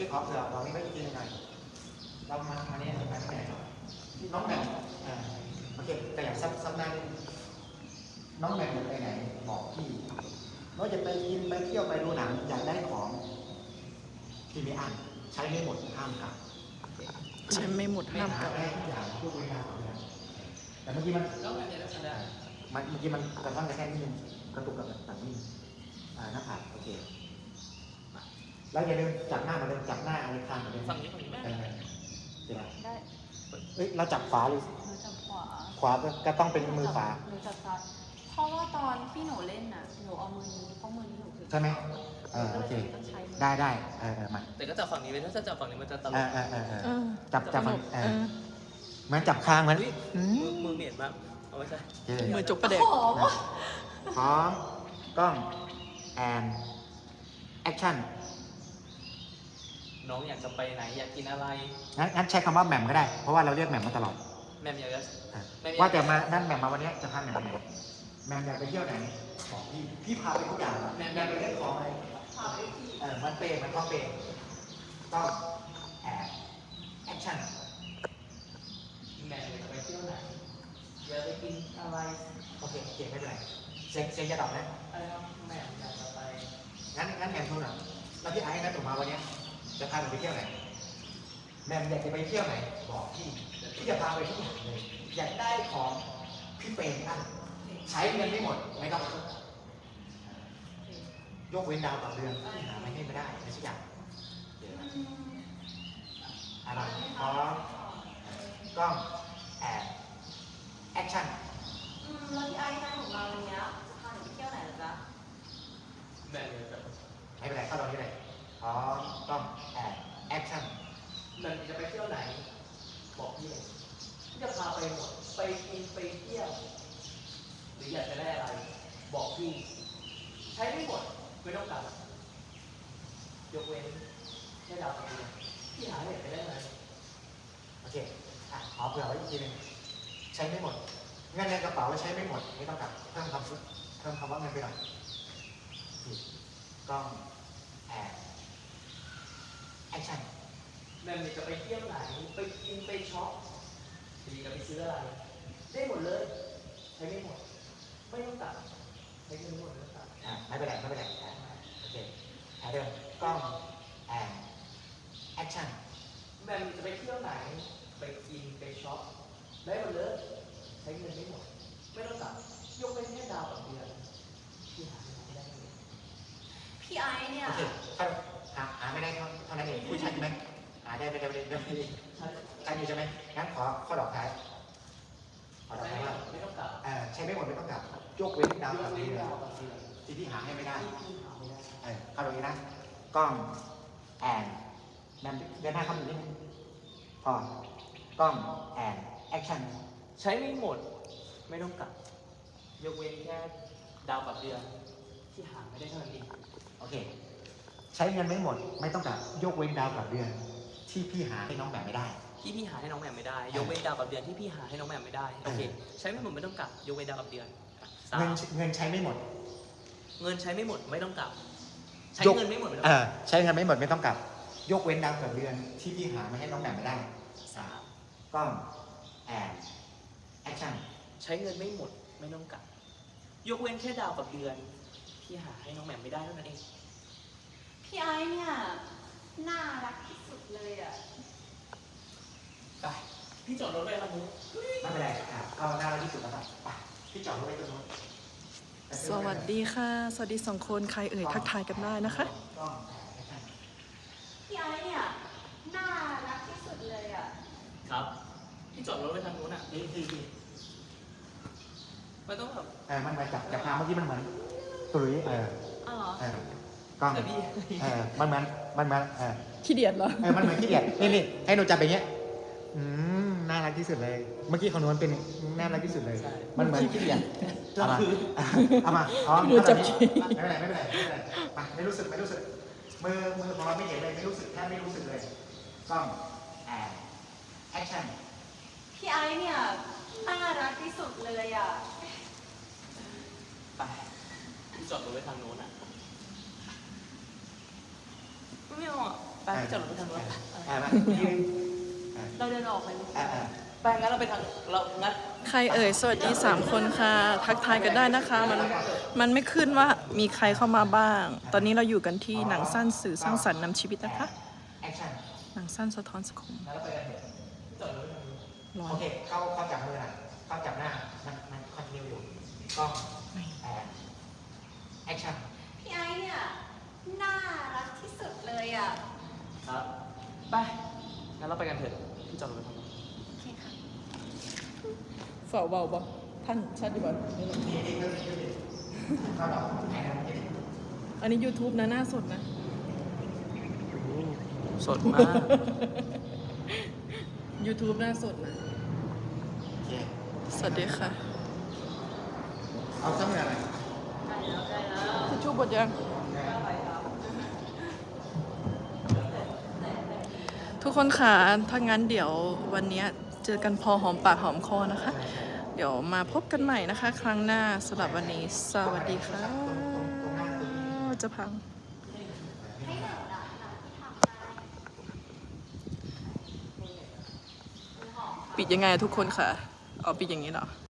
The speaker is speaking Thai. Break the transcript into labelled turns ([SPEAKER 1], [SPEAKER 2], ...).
[SPEAKER 1] ขอเผื่อเราไม่ได้กินหน่อยเรามาเนี่ยไปไหนน้องแหม่มโอเคแต่อย่างซับหน้าน้องแหม่มจะไปไหนบอกพี่เราจะไปกินไปเที่ยวไปดูหนังอยากได้ของที่ไม่อั้นใช้ไม่หมดห้ามกลับ
[SPEAKER 2] ใช้ไม่หมดห้ามกลับ
[SPEAKER 1] ได้ทุกอย่างทุกเวลาแต่เมื่อกี้มันเมื่อกี้มันกระทั่งกระแทกนิดนึงกระตุกกับต่างนิดหน้าผากโอเคแล้วอย่าลืมจับหน้ามาเดิมจับหน้าอะไรข้างมาเดิมฝั่งนี้แม่ได้เอ้ยเราจับขวาหรือ
[SPEAKER 3] จับ
[SPEAKER 1] ขวาก็ต้องเป็นมือขวา
[SPEAKER 3] หนูจับซ้ายเพราะว่าตอนที่หนูเล่นน่ะหนูเอามือนี้เพราะมือนี้หนูถือ
[SPEAKER 1] ใช่ไหมโอเคได้มา
[SPEAKER 4] แต่ก็จับฝั่งนี้ไปถ้าจับฝั่งนี้มันจะตลก
[SPEAKER 1] จับฝั่งมันจับคางมัน
[SPEAKER 4] มือเหม็นมากเอาไว้ใช่
[SPEAKER 2] มือจกประเด็ก
[SPEAKER 1] พร้อมกล้องแอนแอคชั่น
[SPEAKER 4] น้องอยากจะไปไหนอยากกินอะไร
[SPEAKER 1] งั้นใช้คำว่าแหม่มก็ได้เพราะว่าเราเรียกแหม่มมาตลอด
[SPEAKER 4] แม่อยากจะ
[SPEAKER 1] ว่าแต่มานั่นแหม่มมาวันนี้จะพาแหม่มไหนแหม่มอยากไปเที่ยวไหนบอกพี่พาไปทุกอย่างแหม่มอยากไปเล่นของอะไรมันเปย์มันก็เปย์ต้องแอคชั่น
[SPEAKER 4] แม่อยากจะไปเที่ยวไหนอยากไปกินอะไร
[SPEAKER 1] โอเคไม่เป็นไรเซ็งจะตอบนะ
[SPEAKER 4] อะไรครับแม่อยากจะไป
[SPEAKER 1] งั้นแหม่มโทรหน่อยแล้วพี่ไอ้นัดผมมาวันนี้จะพาไปเที่ยวไหนแหม่มอยากจะไปเที่ยวไหนบอกพี่จะพาไปทุกอย่างเลยอยากได้ของพี่เปย์อันใช้เงินไม่หมดไม่ต้องยกเว้นดาวต่อเดือนหาไม่ให้ไม่ได้ไม่ใช่อย่างอะไรพร้อมกล้องแอคชั่น
[SPEAKER 3] แล้วพี่ไอ้นั่งของเราวันนี้จะพาหนูไปเที่ยวไหนหรอจ๊ะ
[SPEAKER 4] แม่เลยแบบ
[SPEAKER 1] ไม่เป็นไรเข้าตรงนี้เลยพร้อมกล้องแอคชั่น
[SPEAKER 4] แม่จะไปเที่ยวไหนบอกพี่เลยพี่จะพาไปหมดไปกินไปเที่ยวหรืออยากจะได้อะไรบอกพี่ใช้ไม่หมดไม่ต้องกลับยกเว้นแค่ดาวต่อเดือนพี่หาเหตุไปได้ไหม
[SPEAKER 1] โอเคขอเผื่อไว้อีกทีนึงใช้ไม่หมดเงินในกระเป๋าใช้ไม่หมดไม่ต้องกลับเพิ่มคำว่าเงินไปหน่อยกล้องแอคชั่น
[SPEAKER 4] แม่จะไปเที่ยวไหนไปกินไปช็อปดีจะไปซื้ออะไรได้หมดเลยใช้ไม่หมดไม่ต้องตัดใช้เงินไม่หมดไม่ต้องตัด
[SPEAKER 1] ไม่เป็นไรโอเคเดิมกล้องแอคชั่น
[SPEAKER 4] แม่จะไปเที่ยวไหนไปกินไปช็อปได้หมดเลยใช้เงินไม่หมดไม่ต้องตัดยกเว้นแค่ดาวต่อเดือนที่หาไม่ได้เลย
[SPEAKER 3] พี่ไอเนี่ย
[SPEAKER 1] โอเคหาไม่ได้เท่านั้นเองผู้ชายไหมหาได้ไม่ได้ใช่ใช่ไหมงั้นขอข้อดอกท้าย
[SPEAKER 4] ขอดอกท้ายว่าไม่ต้องกลับ
[SPEAKER 1] ใช้ไม่หมดไม่ต้องกลับยกเว้นดาวต่อเดือนที่หาให้ไม่ได้เข้าตรงนี้นะกล้องนั่นเดินหน้าเข้าอยู่นิดนึงพอกล้องแอคชั่น
[SPEAKER 4] ใช้ไม่หมดไม่ต้องกลับยกเว้นแค่ดาวกับเดือนที่หาไม่ได้เท่านั้นเอง
[SPEAKER 1] โอเคใช้เงินไม่หมดไม่ต้องกลับยกเว้นดาวกับเดือนที่พี่หาให้น้องแหม่มไม่ได้
[SPEAKER 4] ที่พี่หาให้น้องแหม่มไม่ได้ยกเว้นดาวกับเดือนที่พี่หาให้น้องแหม่มไม่ได้โอเคใช้ไม่หมดไม่ต้องกลับยกเว้นดาวกับเดือน
[SPEAKER 1] เงินใช้ไม่หมด
[SPEAKER 4] เงินใช้ไม่หมดไม่ต้องกลับใช้เงินไม่หมด
[SPEAKER 1] ใช้เงินไม่หมดไม่ต้องกลับยกเว้นดาวกับเดือนที่พี่หามาให้น้องแหม่มไม่ได้กล้องแอคชั่น
[SPEAKER 4] ใช้เงินไม่หมดไม่ต้องกลับยกเว้นแค่ดาวกับเดือนที่หาให้น้องแหม่มไม่ได้เท่านั้นเอง
[SPEAKER 3] พี่ไอ้เนี่ยน่ารักที่สุดเลยอ่ะ
[SPEAKER 4] ไปพี่จอดรถไว้ตรงนู้น
[SPEAKER 1] ไม่เป็นไรเอาน่ารักที่สุดแล้วไปพี่จอดรถไว้ตรงนู้น
[SPEAKER 2] สวัสดีค่ะสวัสดี2 คนใครทักทายกันได้นะคะ
[SPEAKER 3] พี่ไอ้เนี่ยน่ารักที่สุดเลยอ่ะ
[SPEAKER 4] ครับพี่จอดรถไว้ทางนู้นอ่ะ
[SPEAKER 1] ดี
[SPEAKER 4] ไม่ต้องแบบ
[SPEAKER 1] มันมาจับพาเมื่อกี้มันเหมือนตุลุย
[SPEAKER 3] อ๋
[SPEAKER 1] อกล้องมันเหมือน
[SPEAKER 2] ขี้เดียดเหรอ
[SPEAKER 1] มันเหมือนขี้เดียดนี่ให้หนูจับอย่างเงี้ยน่ารักที่สุดเลยเมื่อกี้ของหนูมันเป็นน่ารักที่สุดเลยมันเหมือนขี้เดียดเอามา
[SPEAKER 2] หนูจับ
[SPEAKER 1] ไม่เป็นไรไปไม่รู้สึกมือของเราไม่เห็นเลยไม่รู้สึกแค่ไม่รู้สึกเลยกล้องแอคชั่น
[SPEAKER 3] พี่ไอ้เนี่ยน่ารักที่สุดเลยอ่ะ
[SPEAKER 4] ไปพี่จอดรถไว้ทางโน้นอ่ะไม่เอาอ่ะไปที่จอดรถไปทางรถ
[SPEAKER 1] มายืน
[SPEAKER 3] เราเดินออกไปเลย
[SPEAKER 4] ไปงั้นเราไปทางเรางั้น
[SPEAKER 2] ใครเอ่ยสวัสดี3 คนค่ะ ทักทายกันได้นะคะ มันไม่ขึ้นว่ามีใครเข้ามาบ้าง ตอนนี้เราอยู่กันที่หนังสั้นสื่อสร้างสรรค์นำชีวิตนะคะ
[SPEAKER 1] แอคชั่น
[SPEAKER 2] หนังสั้นสะท้อนสังคม
[SPEAKER 4] งั้นเราไปกันเถอะที่จอดรถไปทางนู้น
[SPEAKER 2] ร้อ
[SPEAKER 1] โอน เคเข้าจับมือหน่อยเข้าจับหน้ามันคอนติเนียอยู่กล้องแอคชั่น
[SPEAKER 3] พี่ไอ้เนี่ยน่ารักที่สุดเลยอ่ะ
[SPEAKER 4] ครับไปงั้นเราไปกันเถอะที่จอดรถไปทางนู้น
[SPEAKER 3] โอเคค่ะ
[SPEAKER 2] ฝ่าเบาบ่ท่านชัดดีบ่
[SPEAKER 1] นี่เข้าดอกแอนนี่
[SPEAKER 2] อันนี้ YouTube นะหน้าสดนะ
[SPEAKER 4] สดมาก
[SPEAKER 2] YouTube หน้าสดนะ
[SPEAKER 1] โอเค
[SPEAKER 2] สวัสดีค่ะ
[SPEAKER 1] เอาสักหน่อย
[SPEAKER 2] ทิชชู่บดยัง ทุกคนค่ะ ถ้างั้นเดี๋ยววันนี้เจอกันพอหอมปากหอมคอนะคะ เดี๋ยวมาพบกันใหม่นะคะ ครั้งหน้าสำหรับวันนี้ สวัสดีค่ะ จะพัง ปิดยังไงอะทุกคนค่ะ เอาปิดอย่างนี้เหรอ